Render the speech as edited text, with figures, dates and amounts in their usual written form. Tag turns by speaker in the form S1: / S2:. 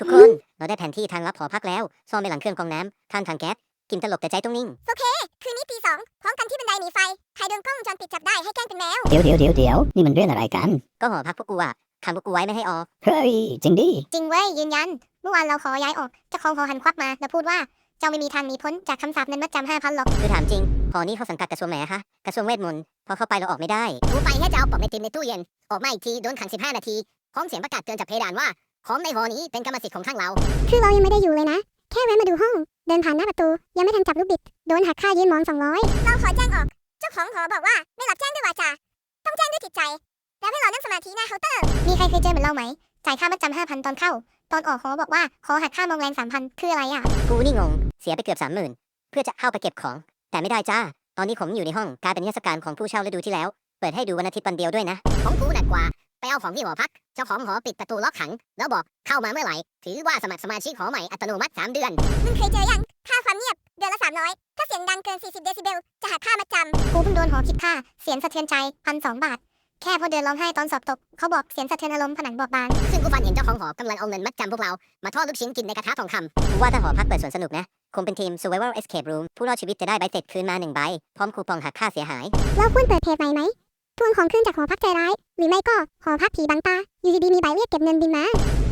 S1: ทุกคนเราได้แผนที่ทางลับหอพักแล้วซ่อนไว้หลังเครื่องกรองน้ำข้างทางแก๊สกินตลกแต่ใจต้องนิ่ง
S2: คืนนี้ตี 2พร้อมกันที่บันไดหนีไฟใครโดนกล้องวงจรปิดจับได้ให้แกล้งเป็นแมว
S3: เดี๋ยวนี่มันเรื่องอะไรกัน
S1: ก็หอพักพวกกูอะขังพวกกูไว้ไม่ให้ออก
S3: เฮ้ยจริงดิ
S2: จริงเว้ยยืนยันเมื่อวานเราขอย้ายออกเจ้าของหอหันควักมาแล้วพูดว่าเจ้าไม่มีทางหนีพ้นจากคำสาปเงินมัดจำ5,000หรอก
S1: คือถามจริงหอนี้เขาสังกัดกระทรวงไหนอะคะกระทรวงเวทมนต์พอเข้าไปเราออกไม่ได้
S4: กูไปแค่จะเอาปอบไอติมในตู้เย็นออกมาอีกทีโดนขัง15 นาทีพร้อมเสียงประกาศเตือนจากเพดานว่าของในหอนี้เป็นกรรมสิทธิ์ของข้างเรา
S2: คือเรายังไม่ได้อยู่เลยนะแค่แวะมาดูห้องเดินผ่านหน้าประตูยังไม่ทันจับลูกบิดโดนหักค่ายืนมอน200เราขอแจ้งออกเจ้าของหอบอกว่าไม่รับแจ้งด้วยวาจาต้องแจ้งด้วยจิตใจแล้วให้เรานั่งสมาธิหน้าเคาน์เตอร์มีใครเคยเจอเหมือนเราไหมจ่ายค่ามัดจำ5,000ตอนเข้าตอนออกหอบอกว่าขอหักค่ามองแรง3,000คืออะไรอ่ะ
S1: กูนี่งงเสียไปเกือบ30,000เพื่อจะเข้าไปเก็บของแต่ไม่ได้จ้าตอนนี้ผมอยู่ในห้องกลายเป็นนิทรรศการของผู้เช่าฤดูที่แล้วเปิดให้ดูวันอาทิตย์วันเดียวด้วยนะ
S4: ของกูหนักกว่าไปเอาของที่หอพักเจ้าของหอปิดประตูล็อกขังแล้วบอกเข้ามาเมื่อไหร่ถือว่าสมัครสมาชิกหอใหม่อัตโนมัติ3 เดือน
S2: มึงเคยเจอยังค่าความเงียบเดือนละ300ถ้าเสียงดังเกิน40เดซิเบลจะหักค่ามัดจำกูเพิ่งโดนหอคิดค่าเสียงสะเทือนใจ1,200 บาทแค่พอเดินร้องไห้ตอนสอบตกเขาบอกเสียงสะเทือนอารมณ์ผนังบอบบาง
S4: ซึ่งกูฝันเห็นเจ้าของหอกำลังเอาเงินมัดจำพวกเรามาทอดลูกชิ้นกินในกระทะทองคำ
S1: กูว่าถ้าหอพักเปิดสวนสนุกนะคงเป็นทีม Survival Escape Room ผู้รอดชีวิตจะได้ใบเสร็จคืนมา1 ใบพร้อมคูปองหักค่าเสียหาย
S2: เราควรเปิดเพจใหม่ไหมทวงของคืนจากหอพักใจร้ายหรือไม่ก็หอพักผีบังตาอยู่ดีๆมีใบเรียกเก็บเงินบินมา